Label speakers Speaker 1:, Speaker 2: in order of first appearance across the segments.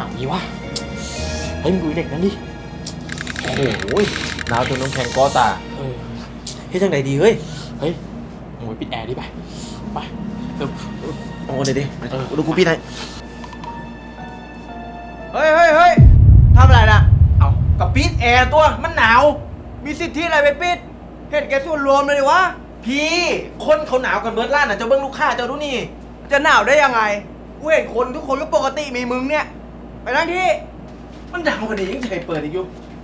Speaker 1: นี้วะเฮ้ยมึงดูเด็กนั่นดิโอ้โหหนาวจนน้ำแข็งก้อตาเฮ้ยจังไหนดีเฮ้ยมึงไปปิดแอร์ดิไปโอ้เดี๋ยวดูกูปิดให้
Speaker 2: เฮ้ยทำอะไรนะเอากับปิดแอร์ตัวมันหนาวมีสิทธิอะไรไปปิดเห็นแกส่วนรวมเลยดิวะพี่คนเขาหนาวกันเบิร์ดล้านน่ะเจ้าเบิ้งลูกค้าเจ้าดูนี่จะหนาวได้ยังไงกูเห็นคนทุกคนก็ปกติมีมึงเนี่ยไปนั่งที่มันหนาวกว่านี้ยังใจเปิดอีกอยู่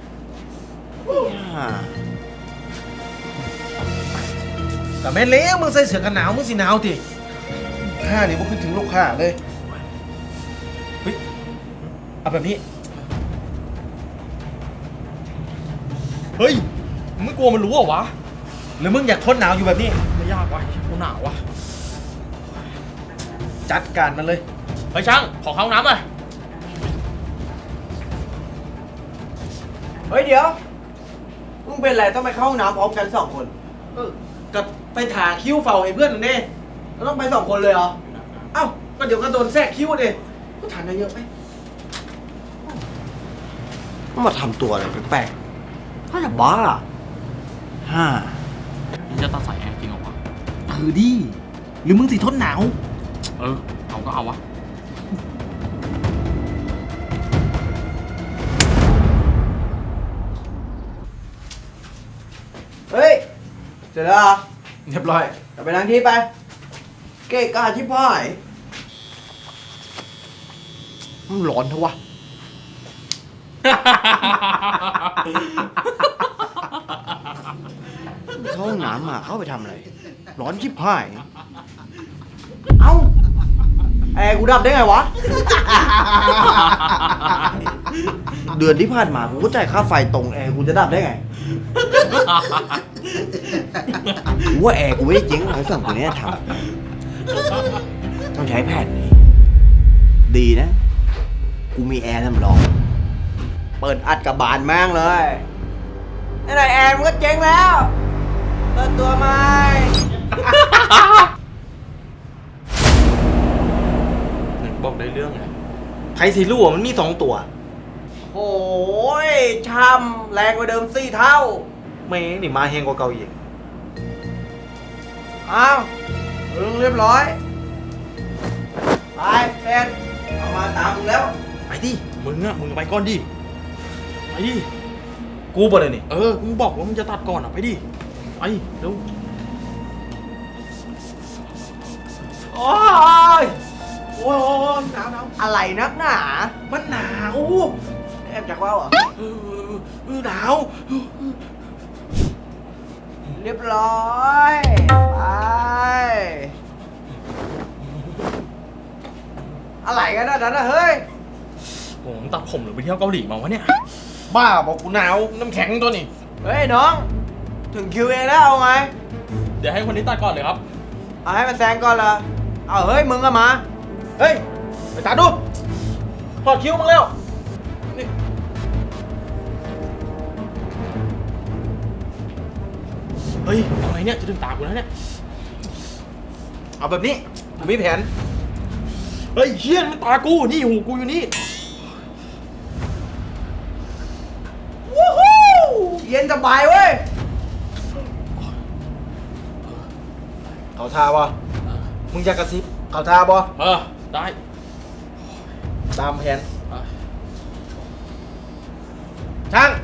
Speaker 2: แต่แม่เลี้ยงมึงใส่เสื้อกันหนาวมึงสิหนาวทีข้านี่พวกขึ้นถึงลูกค้าเลยเฮ้ยเอาแบบนี้
Speaker 1: เฮ้ยมึงไม่กลัวมันรู้เหรอวะ
Speaker 2: หรือมึงอยากทนหนาวอยู่แบบนี้
Speaker 1: ไม่ยากวะกูหนาววะ
Speaker 2: จัดการมันเลย
Speaker 1: เฮ้ยช่างขอเข้าน้ำหน่อย
Speaker 2: เฮ้ยเดี๋ยวมึงเป็นไรต้องไปเข้าห้องน้ำพร้อมกัน2 คนก็ไปถาคิ้วเฝ้าให้เพื่อนนั่นเองเราต้องไป2 คนเลยเหรอเอ้าก็เดี๋ยวก็โดนแทรกคิ้วดิก็ถามเยอะไปมาทำตัวอะไรแปลกๆถ้าจะบ้า
Speaker 1: มึงจะตัดสายแอร์จริงเหรอวะ
Speaker 2: ดิหรือมึงสิทนหนาว
Speaker 1: เอาก็เอาวะ
Speaker 2: เฮ้ยเสร็จแล้วเหรอเรียบร้อยกลับไปนั่งที่ไปเกะกะชิบหายมันร้อนเถอะวะเข้าห้องน้ำมาเข้าไปทำอะไรร้อนชิบหายเอ้าแอร์กูดับได้ไงวะ เดือนที่ผ่านมากูก็จ่ายค่าไฟตรงแอร์กูจะดับได้ไงกูว่าแอร์กูไม่ได้เจ๊งเขาสั่งตัวนี้ทำต้องใช้แผ่นนี้ดีนะกูมีแอร์สำรองเปิดอัดกับบานแม่งเลยไหนแอร์มันก็เจ๊งแล้วเปิดตัวใหม่
Speaker 1: บอกได้เรื่องไง
Speaker 2: ใครสิรู้ว่ามันมี2 ตัวโอ้ยช้ำแรงกว่าเดิม4 เท่าแม่งนี่มาแหงกว่าเก่าอีกอ้าวเรียบร้อยไปเป็นเอามาตามมึงแล้ว
Speaker 1: ไปดิมึงไปก่อนดิไปดิ
Speaker 2: กูบ่เลยนี่
Speaker 1: มึงบอกว่ามึงจะตัดก่อนไปดิไปเร็ว
Speaker 2: โอ้ยหนาวอะไรนักหนามันหนาวแอบจากว่าวเหรอ
Speaker 1: หนาว
Speaker 2: เรียบร้อยไปอะไรกันนะเฮ้ย
Speaker 1: โหตัดผมหรือไปเที่ยวเกาหลีมาวะเนี่ย
Speaker 2: บ้าบอกกูหนาวน้ำแข็งตัวนี้เฮ้ยน้องถึงคิวเองแล้วเอาไง
Speaker 1: เดี๋ยวให้คนนี้ตัดก่อนเลยครับ
Speaker 2: เอาให้มันแซงก่อนละเอาเฮ้ยมึงก็มาเฮ้ยไปตัดดูถอดคิ้วมึงเร็วนี่
Speaker 1: เฮ้ยเอาไงเนี่ยจะดึงตากูแล้วเนี่ย
Speaker 2: เอาแบบนี้ผมมีแผน
Speaker 1: เฮ้ยเฮี้ยนมันตากูนี่หูกูอยู่นี่
Speaker 2: วู้ฮู้เย็นสบายเว้ยเขาทาบ่มึงจะกระซิบเขาทาบ่
Speaker 1: ได้
Speaker 2: ตามแผนช่าง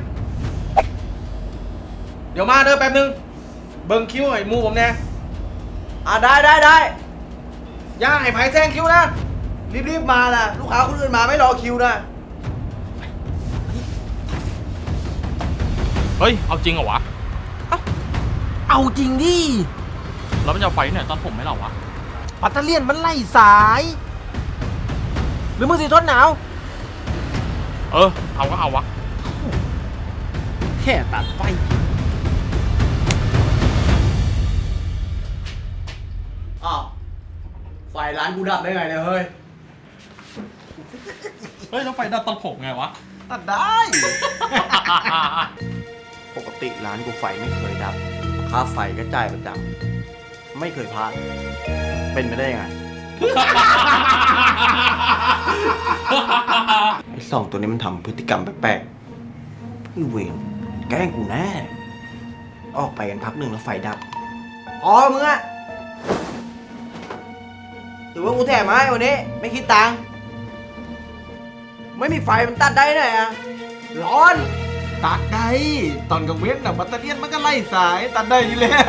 Speaker 2: เดี๋ยวมาเด้อแป๊บนึงเบิ่งคิ้วให้มูผมแน่ได้ย่าให้ไผ่แซงคิ้วนะรีบมานะลูกค้าคนอื่นมาไม่รอคิวนะ
Speaker 1: เฮ้ยเอาจริงเหรอวะ
Speaker 2: เอาจริงดิ
Speaker 1: แล้วมันจะไฟเนี่ยตัดผมไหมเหรอวะ
Speaker 2: ปัตเตอร์เลียนมันไล่สายหรือมึงสิทนหนาว
Speaker 1: เอาก็เอาวะ
Speaker 2: แค่ตัดไฟอ้าวไฟร้านกูดับได้ไงเนี่ยเฮ้ย
Speaker 1: แล้วไฟดับตัดผมไงวะ
Speaker 2: ตัดได้ ปกติร้านกูไฟไม่เคยดับค่าไฟก็จ่ายประจำไม่เคยพลาดเป็นไปได้ยังไงไอ้สองตัวนี้มันทำพฤติกรรมแปลกๆไอ้เวรแกล้งกูแน่ ออกไปกันพักหนึ่งแล้วไฟดับอ๋อมึงอะถือว่ากูแถมให้วันนี้ ไม่คิดตังค์ไม่มีไฟมันตัดได้ไหนอะร้อน
Speaker 3: ตัดได้ตอนกลางเว้นน่ะบัตเตอรี่มันก็ไล่สายตัดได้อยู่แล้ว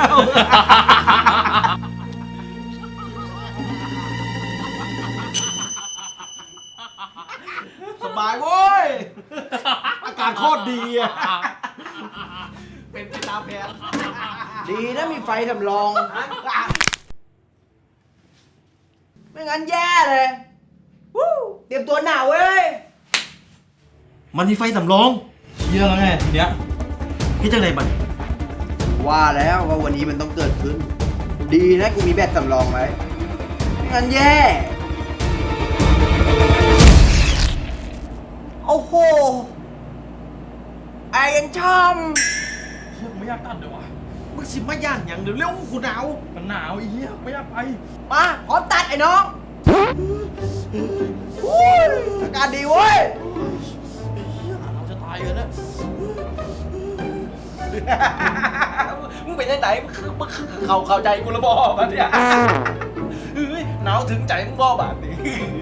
Speaker 3: สบายโว้ย อากาศโคตรดีอ่ะ เป็นไปตามแผน
Speaker 2: ดีนะมีไฟสำรอง ไม่งั้นแย่เลยวู้เตรียมตัวหนาวเว้ย
Speaker 1: มันมีไฟสำรองเชี่ยแล้วไงทีเนี้ยพี่จังไรบัน
Speaker 2: ว่าแล้วว่าวันนี้มันต้องเกิดขึ้น ดีนะกูมีแบตสำรองไว้ไม่งั้นแย่ โอ้โห ไอ้ยังช่ำ
Speaker 1: เชี่ยไม่อยากตัดเลยวะ
Speaker 3: มึงสิมาย่านอย่างเดี๋ยวเร็วกูหนาว
Speaker 1: มันหนาวไอ้เหี้ยไม่อยากไป
Speaker 2: มาพร้อมตัดไอ้น้องอุ้ยอากาศดีเว้ย
Speaker 1: ไอ้เหี้ยเราจะตายกันแล้ว
Speaker 3: มึงเป็นยังไงมึงเข้าใจกูระบอบอ่ะเนี่ยเฮ้ยหนาวถึงใจมึงบอบาดนี่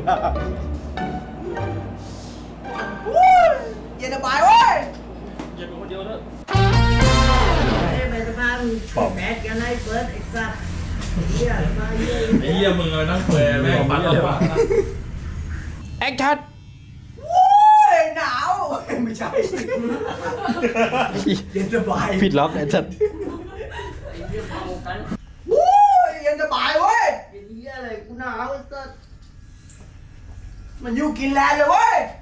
Speaker 2: อุ้ยเย็นสบายเว้ย
Speaker 1: เย็นคนเดียวเนอะ
Speaker 4: ไปสะพานแมสกันให้เฟิร์สไอ้สัตว์เหี้ยมาเหี้ย
Speaker 1: ไอ้เหี้ยมึงเลยนั่งเฟยแม่งปัดเลยว่ะ
Speaker 2: แอคชั่นว้ยหนาว ไม่ใช่ เย็นสบาย
Speaker 1: ผิดล็อกไอ้สัตว์
Speaker 2: วู้ยเย็นสบายเว้ย
Speaker 4: ไอ้เหี้ยอะไรกูหนาวไอ้สัตว์
Speaker 2: มันอยู่กินแลนด์เลยเว้ย